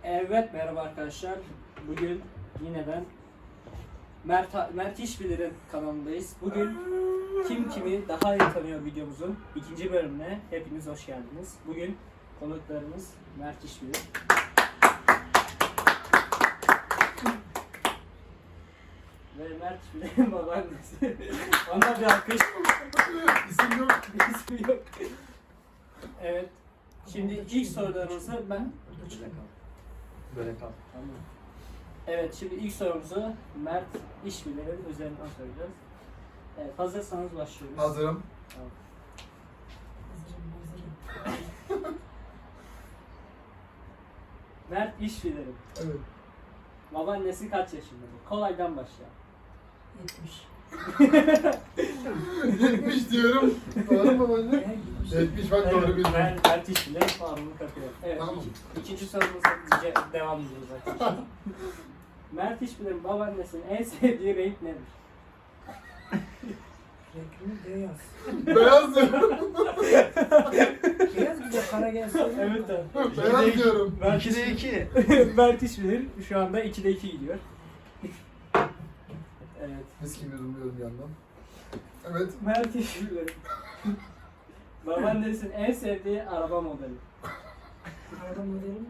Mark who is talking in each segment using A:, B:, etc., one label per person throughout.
A: Evet, merhaba arkadaşlar. Bugün yine ben Mert İşbilir'in kanalındayız. Bugün kim kimi daha iyi tanıyor videomuzun ikinci bölümüne hepiniz hoş geldiniz. Bugün konuklarımız Mert İşbilir. Ve Mert İşbilir'in babaannesi. Ona bir alkış.
B: İsim yok.
A: İsmi yok. Evet. Şimdi ilk sorularımızı ben...
B: Böyle kal.
A: Tamam. Evet, şimdi ilk sorumuzu Mert İşbilir'in üzerinden soracağız. Evet, hazırsanız başlıyoruz.
B: Hazırım.
A: Tamam. Mert İşbilir'in
B: Evet.
A: babaannesi kaç yaşındadır? Kolaydan başla.
C: 70.
B: 70 diyorum. Doğru mu babaanne? 70 bak doğru bildim.
A: Mert İşbilir puanını kapıyor. Evet,
B: Tamam.
A: ikinci sorumuza devam ediyoruz arkadaşlar. Mert İşbilir'in babaannesinin en sevdiği renk nedir?
C: Renkli beyaz.
B: Beyaz diyorum.
C: Beyaz güzel, kara gelse.
A: Evet abi.
B: Beyaz diyorum.
A: Mert
D: 2'de 2.
A: Mert İşbilir şu anda 2'de 2 gidiyor. Evet.
B: Mis gibi yudumluyorum bir yandan. Evet.
A: Mert İşbilir. Babaannesinin en sevdiği araba modeli.
C: Araba modeli mi?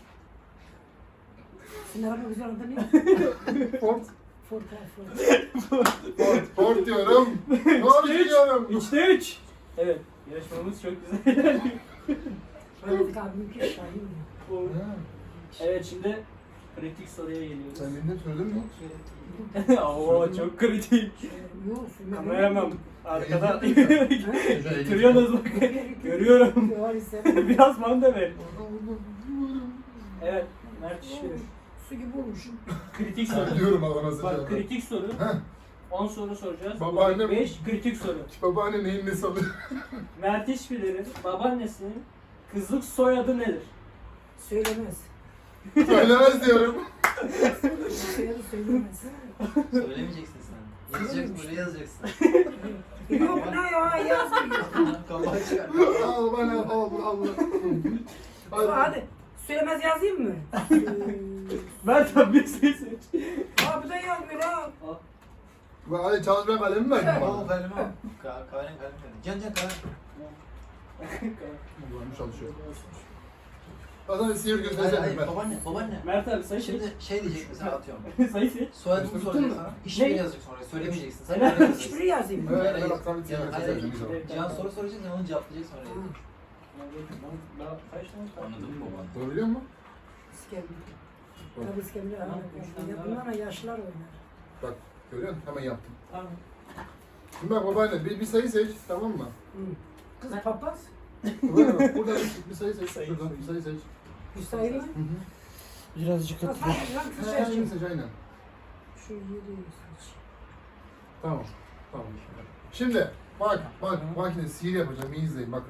C: Senin araba güzel adı ne?
B: Ford.
C: Ford, Ford.
B: Ford diyorum. Ford diyorum.
A: 3'te 3. Evet. Yarışmamız çok güzel ilerliyor.
C: Rahmetli abimki Şahin mi?
B: Ha,
A: Evet, şimdi kritik soruya geliyoruz.
B: sen beni de söyledin mi?
A: Oo, çok kritik.
C: Yok, söylemedim.
A: Kameramam arkada.
B: Şöyle
A: Görüyorsunuz bak. Görüyorum.
C: Yok, istemem.
A: Biraz bana da ver. Evet. Mert İşbilir.
C: Su gibi olmuşum.
A: Kritik
B: Sen
A: soru.
B: diyorum Allah'ına
A: Bak,
B: sıcağına.
A: kritik soru.
B: Heh.
A: 10 soru soracağız.
B: Babaannem-
A: 5 kritik soru.
B: Babaanne neyin nesi alıyor?
A: Mert İşbilir'in babaannesinin kızlık soyadı nedir?
C: Söylemez.
B: Söylemez diyorum.
C: Soyadı söylemez.
D: Söylemeyeceksin sen. Yazacaksın, buraya yazacaksın.
C: Yok ne ya, yazmıyor.
D: Kapağı çıkar.
B: Al bana al.
C: Hadi. Söylemez yazayım mı?
A: Mert abi bir şey seç.
C: Aa bu da yazmıyor ha.
B: Hadi çalışma kalemi ver
D: Al
B: bana.
D: kalemi al. Kalem. Can kalem.
B: Babaannem çalışıyor. Bazen sihir
D: Hayır
B: gösterecek
D: hayır
B: ben.
D: babaanne.
A: Mert abi sayı seç.
D: Şimdi şey diyecek mesela atıyorum.
A: Sayı seç.
D: Soyadını
B: Tuttun
D: soracak
B: mu?
D: sana. İşini yazacaksın oraya. Söylemeyeceksin. Sen
A: Helal.
D: oraya yazacaksın.
C: Hiçbiri yazayım mı?
B: Evet,
D: Hayır,
B: bak tabii sihir
D: hayır,
B: gösterecek bir zaman.
D: Can soru soracak sen onu cevaplayacak sonra.
A: Daha kaç tane kaldı?
D: Anladın mı baba?
B: Doğru biliyor musun?
C: İskemle. Tabii iskemle. Bunlarla yaşlar oynar.
B: Bak görüyor musun? Hemen yaptım.
A: Tamam.
B: Şimdi bak babaanne bir sayı seç tamam mı?
C: Kız papaz.
B: Buradan bak, buradan bir sayı seç.
A: Sayı
B: Şuradan
A: seç.
B: bir sayı seç.
C: Hüseyin mi?
D: Birazcık
B: Aynen seç aynen.
C: Şu yeri seç.
B: Tamam. Tamam. Şimdi bak makine sihir yapacağım iyi izleyin bakın.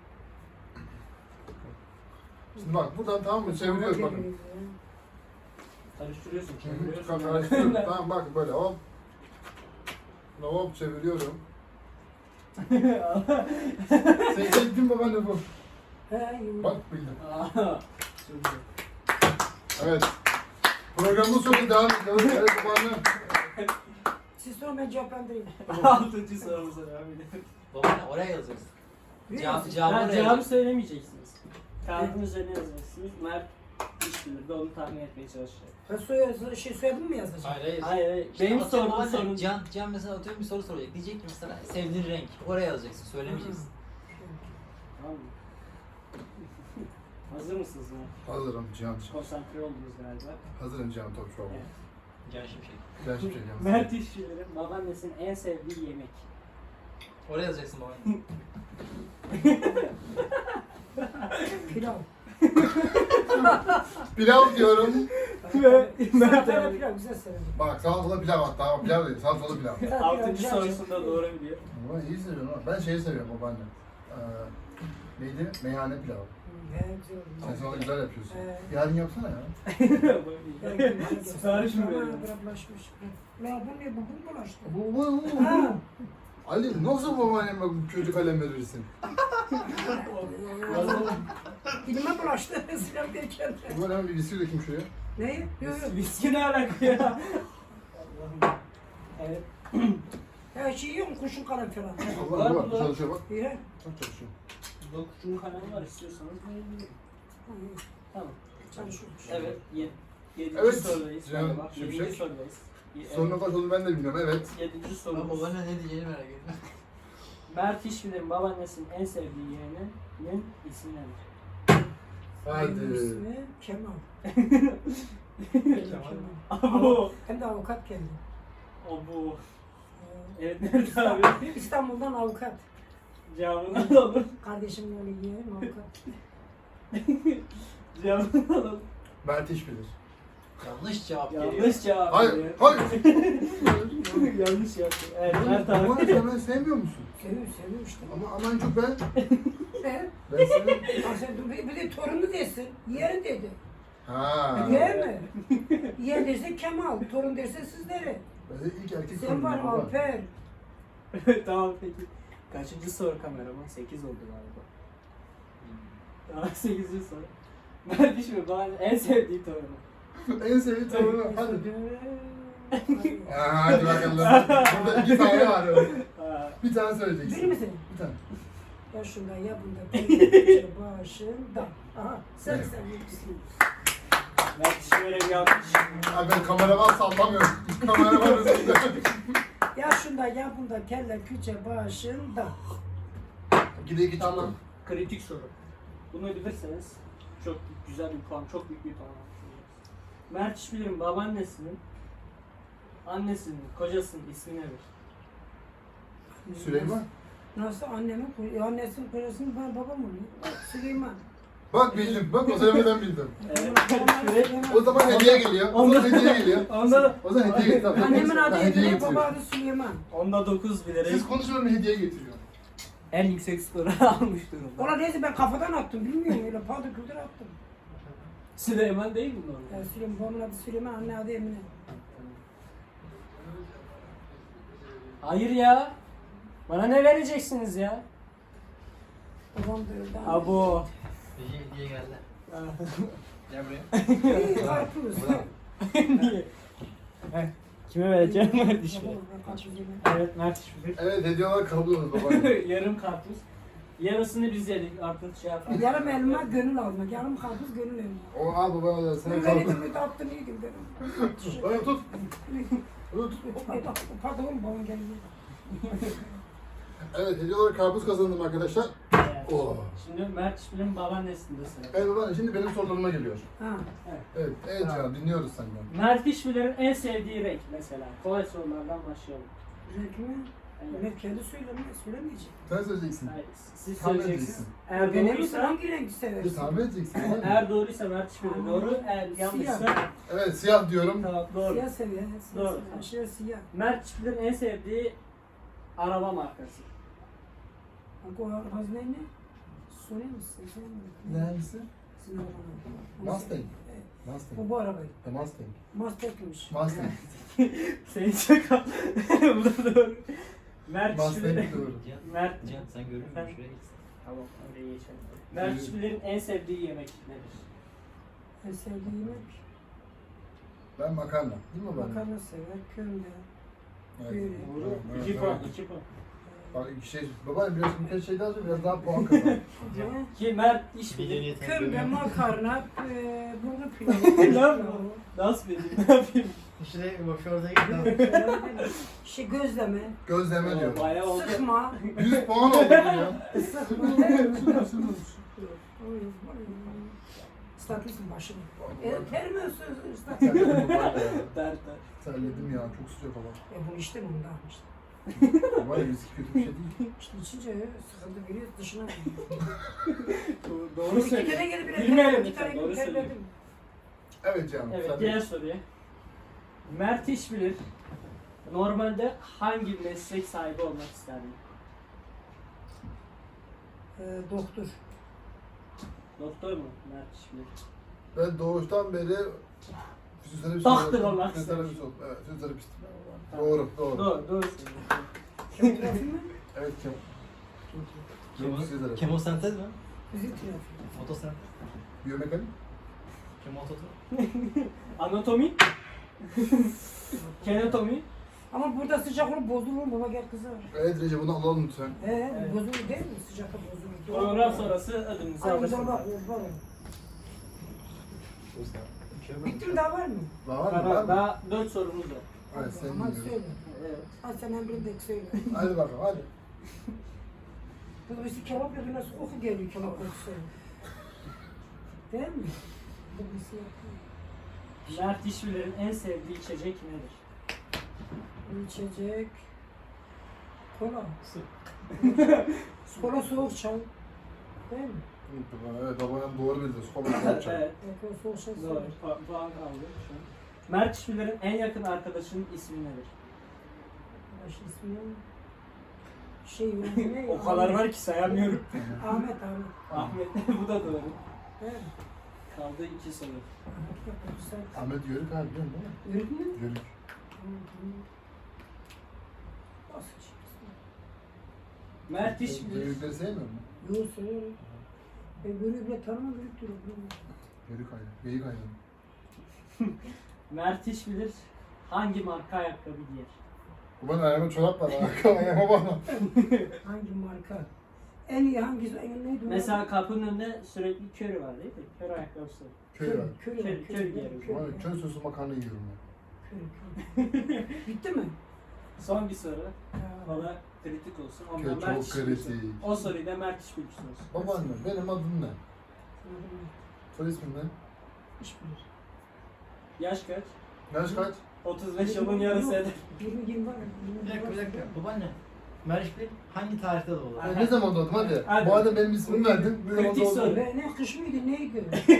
B: Şimdi bak buradan tamam mı çeviriyoruz bakın.
A: Karıştırıyorsun.
B: Karıştırıyorum. Tamam bak böyle hop. Hop çeviriyorum. Sen çektin babaanne bu.
C: He,
B: Bak bildim.
A: Aa, çok güzel.
B: Evet. Programın sonu devam ediyoruz. Evet babaanne.
C: siz sorun ben cevaplandırayım.
A: 6. sorumuza devam edelim.
D: Babaanne oraya yazacaksın. Cevabı oraya
A: Cevabı
D: yazacaksın.
A: söylemeyeceksiniz. Kağıdın üzerine yazacaksınız. Mert İşbilir de onu tahmin etmeye çalışacak.
C: Ben soyadım mı yazacağım?
D: Hayır.
A: Hayır.
D: İşte
A: Benim
D: atıyorum
A: sorduğum
D: babaanne,
A: sorun.
D: Can mesela atıyorum bir soru soracak. Diyecek ki mesela sevdiğin renk. Oraya yazacaksın. Söylemeyeceksin.
A: Tamam mı? Hazır mısınız Mert?
B: Hazırım Cihan.
A: Konsantre oldunuz galiba.
B: Hazırım Cihan Topçuoğlu.
A: Evet.
D: Can Şimşek.
B: Ben hiçbir şey yapmam.
A: Mert İşbilir'in babaannesinin en sevdiği yemek.
D: Oraya yazacaksın babaanne.
C: Pilav.
B: Pilav diyorum.
A: Ve Mert
C: Salatalı
A: abi
C: pilav güzel severim.
B: Bak salatalı pilav hatta. Bak pilav değil. Salatalı pilav.
A: 6. sorusunda doğru biliyor.
B: Ama iyi seviyorum ama. Ben şeyi seviyorum babaanne. Neydi? Meyhane pilavı.
C: He güzel olur.
B: Sen sonra güzel yapıyorsun.
C: Evet.
B: Yarın yapsana ya.
A: Sipariş mi veriyorsun?
C: Bulaşmış. La bu ne? Bu bulaştı.
B: Bu.
C: Ha.
B: Ali nasıl babaanneme kötü kalem verirsin?
A: Yazalım.
C: Dilime bulaştı. Silah derken.
B: Ulan hemen bir viski dökeyim şuraya.
C: Ne? Yok yok.
A: Viski ne alaka ya? Allah'ım. Evet.
C: Her şey yok. Kurşun kalem falan.
B: Allah Allah bak çalışıyor bak.
C: İyi.
B: Bak çalışıyor.
A: Dokuzunun kanalı var istiyorsanız verebilirim. Tamam.
C: Çalışıyormuş.
A: Evet. Yedinci
B: Evet,
A: sorudayız.
B: Cihan
A: Hadi bak,
B: Şimşek.
A: Yedinci sorudayız.
B: Sorunun kaç olduğunu ben de bilmiyorum evet.
A: Yedinci
D: Ben
A: sorumuz.
D: babana ne diyeceğini merak ediyorum.
A: Mert İşbilir'in babaannesinin en sevdiği yeğeninin ismi nedir?
B: Hadi.
C: İsmi Kemal.
A: Abu.
C: Hem de avukat kendi.
A: Abu.
C: Ee,
A: Evet Mert abi.
C: İstanbul'dan avukat.
A: Cevabını alalım.
C: Kardeşimle öyle yeğenim avukat.
A: Cevabını alalım.
B: Mert iş bilir.
D: Yanlış cevap geliyor.
A: Yanlış cevap.
B: Hayır,
A: veriyor.
B: hayır.
A: Yanlış yaptı. Evet Mert abi.
B: Ama sen beni sevmiyor musun?
C: Seviyorum işte.
B: Ama en çok ben.
C: Ne?
B: Ben seni...
C: Ha sen bir de torunu desin. Yeğen dedi.
B: Ha.
C: Yeğen mi? Yeğen derse Kemal, torun derse sizlere.
B: Ben de ilk erkek
C: Sen var
B: baba.
C: Alper.
A: Tamam peki. Kaçıncı soru kameraman? 8 oldu galiba. Tamam 8. soru. Mert İşbilir babaannenin en sevdiği torunu.
B: En sevdiğim tavuğu. Hadi.
C: Hadi.
B: Hadi bakalım. Burada 2 tane var.
A: Aa,
B: Bir tane söyleyeceksin.
C: Bilir misin?
B: Bir tane.
C: Ya şunda ya bunda peynir başında. Aha sen bilirsin.
A: Mert İşbilir'e bir alkış.
B: Abi ben kameraman sallamıyorum. Kameraman üzerinde.
C: Ya şunda ya bunda kelle küçe başında.
B: 2'de 2 çıktı.
A: Tamam. Kritik soru. Bunu bilirseniz çok güzel bir puan, çok büyük bir puan almış olacaksınız. Mert İşbilir'in babaannesinin, annesinin, kocasının ismi nedir?
B: Süleyman.
C: Nasıl annesinin kocasının babam oluyor. Süleyman.
B: Bak bildim. Bak o söylemeden bildim.
A: Evet.
B: O zaman hediye geliyor. O zaman hediye geliyor.
A: Onda,
B: O zaman hediye getiriyor.
C: Annemin adı
B: hediye
C: Emine,
B: getiriyor.
C: baba adı Süleyman.
A: onda 9 bilerek
B: Siz konuşuyorum hediye getiriyor.
A: en yüksek skoru almış durumda.
C: Ola neyse ben kafadan attım bilmiyorum öyle paldır küldür attım.
A: Süleyman değil mi normal?
C: Süleyman, babamın adı Süleyman, anne adı Emine.
A: Hayır ya. Bana ne vereceksiniz ya?
C: Babam da öyle.
A: Abo.
D: Hediye geldi. Gel buraya.
C: İyi, karpuz.
A: Niye? Kime vereceğim Mert İşbilir?
C: Babam, karpuz yedim.
A: Evet Mert İşbilir.
B: Evet hediye olarak kabul ediyoruz baba.
A: Yarım karpuz. Yarısını biz yedik artık şey yapalım.
C: Yarım elma gönül almak, yarım karpuz gönül elma.
B: O al baba da sana
C: Ben
B: kabul.
C: verdim, bir de attım iyi gibi dedim.
B: Bana tut. Tut.
C: Pardon, babam geldi.
B: Evet hediye olarak karpuz kazandım arkadaşlar.
A: Evet.
B: Oo.
A: Şimdi Mert İşbilir'in babaannesinde sıra.
B: Evet baba şimdi benim sorularıma geliyor.
C: Ha.
B: Evet, evet Cihan dinliyoruz senden.
A: Mert İşbilir'in en sevdiği renk mesela. Kolay sorulardan başlayalım.
C: Renk mi?
A: Evet.
C: Ben kendi söylemeyeceğim.
B: Sen söyleyeceksin.
A: Hayır, siz
B: Tahmin
A: söyleyeceksiniz.
B: edeceksin.
A: Eğer
C: Benim sen
A: doğruysa,
C: hangi rengi seversin?
B: Tahmin edeceksin.
A: eğer doğruysa Mert İşbilir doğru, eğer yanlışsa
C: Siyah.
B: Evet siyah diyorum.
A: tamam doğru.
C: Siyah seviyor. Siyah
A: Doğru.
C: seviyor. Aşırı siyah.
A: Mert İşbilir'in en sevdiği araba markası.
C: Bak o arabaz ne? Soruyor musun?
B: Ne hangisi?
C: Sizin arabanı.
B: Mustang.
C: Evet.
B: Mustang.
C: Bu arabayı.
B: Mustang.
C: Mustang'miş.
B: Mustang.
A: Senin şaka. Bu da doğru. Mert
B: Mustang
A: İşbilir'in...
B: doğru.
A: Mert...
D: Cihan sen görür müsün?
A: Efendim?
D: Şuraya gitsin.
A: Tamam, oraya geçelim. Mert İşbilir'in en sevdiği yemek nedir?
C: En sevdiği yemek.
B: Ben makarna. Değil mi baba?
C: Makarna sever. Kömbe.
B: Evet.
C: Böyle.
A: Doğru.
B: Evet,
A: 2
B: evet.
A: puan, 2 puan.
B: Bak iki şey. Baba biraz birkaç şey daha söyle biraz daha puan kazan.
C: Ne?
A: Ki Mert
D: Bir
A: İşbilir...
D: niyetini
C: Kömbe,
D: görüyorum.
C: makarna, burnu
A: Ne
C: pilavı.
A: yapayım? Nasıl bileyim? Ne yapayım?
D: Şuraya boş orada git.
C: Şey gözleme,
B: Gözleme diyor.
A: Bayağı oldu.
C: sıkma,
B: 100 puan oldu bu ya.
C: sıkma. Islatırsın başını. Termiyorsun ıslatın.
B: Terledim baba ya.
A: Der der.
B: Terledim ya çok sıcak hava.
C: Bu işte bundan işte.
B: Baba ya viski kötü bir şey değil.
C: İşte içince sıkıntı veriyor dışına.
A: Doğru
C: İki
A: söylüyor.
C: kere gelip bir
A: Bilmeyelim
C: iki
A: lütfen,
C: tane
A: doğru
C: gibi
A: söylüyor.
C: terledim.
B: Evet canım.
A: Evet,
B: sen de-
A: diğer soruya. Mert İşbilir normalde hangi meslek sahibi olmak isterdi?
C: Doktor.
A: Doktor mu Mert İşbilir?
B: Ben doğuştan beri fizyoterapist
A: Doktor
B: olarak-
A: olmak
B: fizyoterapist oldum. Evet fizyoterapist.
A: Tamam.
B: Doğru doğru.
A: Doğru söylüyorsun.
C: Kemografi mi?
B: Evet Kemal.
D: Kemo,
B: Fizyoterapist.
D: kemosentez mi?
C: Bizi trafik.
D: Moto sen.
B: Biyomekanik.
D: Kim mototu?
A: Anatomi. Kenatomi.
C: Ama burada sıcak olup bozulur baba gel kızar.
B: Evet Recep bunu alalım lütfen.
C: Evet. Bozulur değil mi? Sıcakta bozulur.
A: Program sonrası ödülünüzü
C: Ay
A: alırsınız.
C: baba baba. Bitti mi daha var mı?
B: Daha var mı?
A: Daha,
B: Var mı?
A: daha 4 sorumuz var.
B: Hadi sen
C: Hadi
B: dinliyorum.
C: söyle.
A: Evet.
C: Hadi sen emrinde söyle.
B: Hadi bakalım hadi.
C: Bu birisi kebap yapıyor nasıl koku geliyor kebap kokusu. Değil mi? Bu birisi yapıyor.
A: Mert İşbilir'in en sevdiği içecek nedir?
C: İçecek. Kola. Kola soğuk çay. Değil mi?
B: Evet babanın doğru bildi. Skola yapacak.
A: Evet.
C: Kola soğuk çay.
A: Doğru. Puan aldı şu an. Mert İşbilir'in en yakın arkadaşının ismi nedir?
C: Baş ismi şey ne?
A: O kadar var ki sayamıyorum.
C: Ahmet.
A: Ahmet bu da doğru.
C: Değil mi?
A: Kaldı 2 soru.
C: Ahmet yapıyor.
B: Ahmet Yörük abi biliyor musun?
C: Yürüdün mü?
B: Yörük.
C: Nasıl şey?
A: Mert İşbilir.
B: Yörükleri sevmiyor musun?
C: Yok söylüyorum. Ben böyle bile tanımam büyük durum.
B: Yörük aynı. Geyik aynı.
A: Mert İşbilir hangi marka ayakkabı giyer?
B: Babanın ayağında çorap var. Ayağıma bana.
C: Hangi marka? En iyi hangisi? En neydi? o?
A: Mesela kapının önünde sürekli körü var değil mi? Kör ayakkabısı.
B: Köy var.
C: Köy.
A: Köy giyerim.
B: Bana köy sosu makarna yiyorum ben.
C: Bitti mi?
A: Son bir soru.
C: Ha.
A: Bana kritik olsun.
B: Köy
A: Ondan Mert
B: çok
A: İşbilir.
B: kritik.
A: O soruyu da Mert İşbilir sorsun.
B: Babaanne benim adım ne? Soy ismin ne?
C: İş bilir.
A: Yaş kaç?
B: Yaş kaç?
A: 35 yılın yarısı eder.
C: 20 var.
D: Bir dakika. Babaanne. Meriçli hangi tarihte doğdu?
B: Ya ne zaman doğdun hadi.
A: Hadi.
B: Madem benim ismimi verdin. Ne zaman
A: Kritik
B: doğdun?
A: soru.
C: Ne kış mıydı neydi?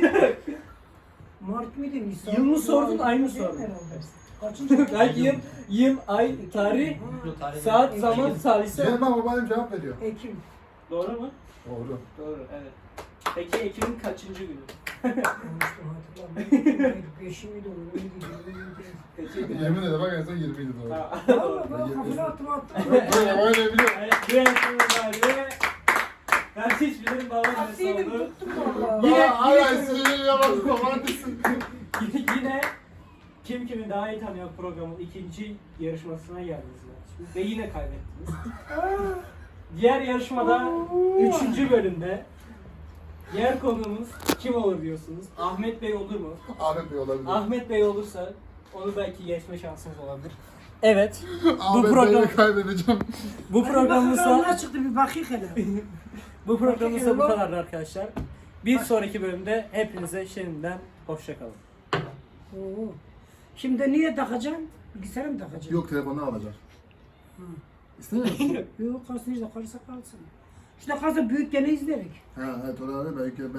C: Mart mıydı Nisan?
A: Yılını sordun, ayını
C: Değil
A: sordun.
C: herhalde. Kaçıncı?
A: Belki yıl, ay, tarih,
D: Mikro tarihi.
A: saat, zaman, salise.
B: Cem bak babaannem cevap veriyor.
C: Ekim.
A: Doğru mu?
B: Doğru.
A: Doğru, evet. Peki Ekim'in kaçıncı günü?
C: Konuştum hatırlamıyorum. 5 miydi o? Neydi?
A: Kaçıncı günü?
B: Yemin ederim bak en son 20 idi doğru.
A: Ha, doğru.
C: Valla bak kafana attım.
B: Babaannem biliyor.
A: Evet, bu yarışmamız vardı. Mert İşbilir'in babaannesi
C: Attıydım
A: oldu.
C: tuttum valla.
A: Yine-
B: Hala sinirli yapalım babaannesin.
A: Yine Kim Kimi Daha İyi Tanıyor programının ikinci yarışmasına geldiniz. Ve yine kaybettiniz. Diğer yarışmada 3. bölümde diğer konuğumuz kim olur diyorsunuz? Ahmet Bey olur mu?
B: Ahmet Bey olabilir.
A: Ahmet Bey olursa onu belki geçme şansımız olabilir. Evet.
B: Ahmet
A: program-
B: Bey'i kaybedeceğim.
A: Bu programımızda
C: Ne çıktı bir bakayım hele.
A: bu programımızda bu kadardı arkadaşlar. Bir sonraki bölümde hepinize şimdiden hoşça kalın.
C: Oo. Şimdi niye takacaksın? Bilgisayara mı takacaksın?
B: Yok telefonu alacak.
C: Hı.
B: İstemiyor musun?
C: Yok kalsın işte kalırsa kalsın. İşte kalsa büyük gene izlerik.
B: Ha evet orada belki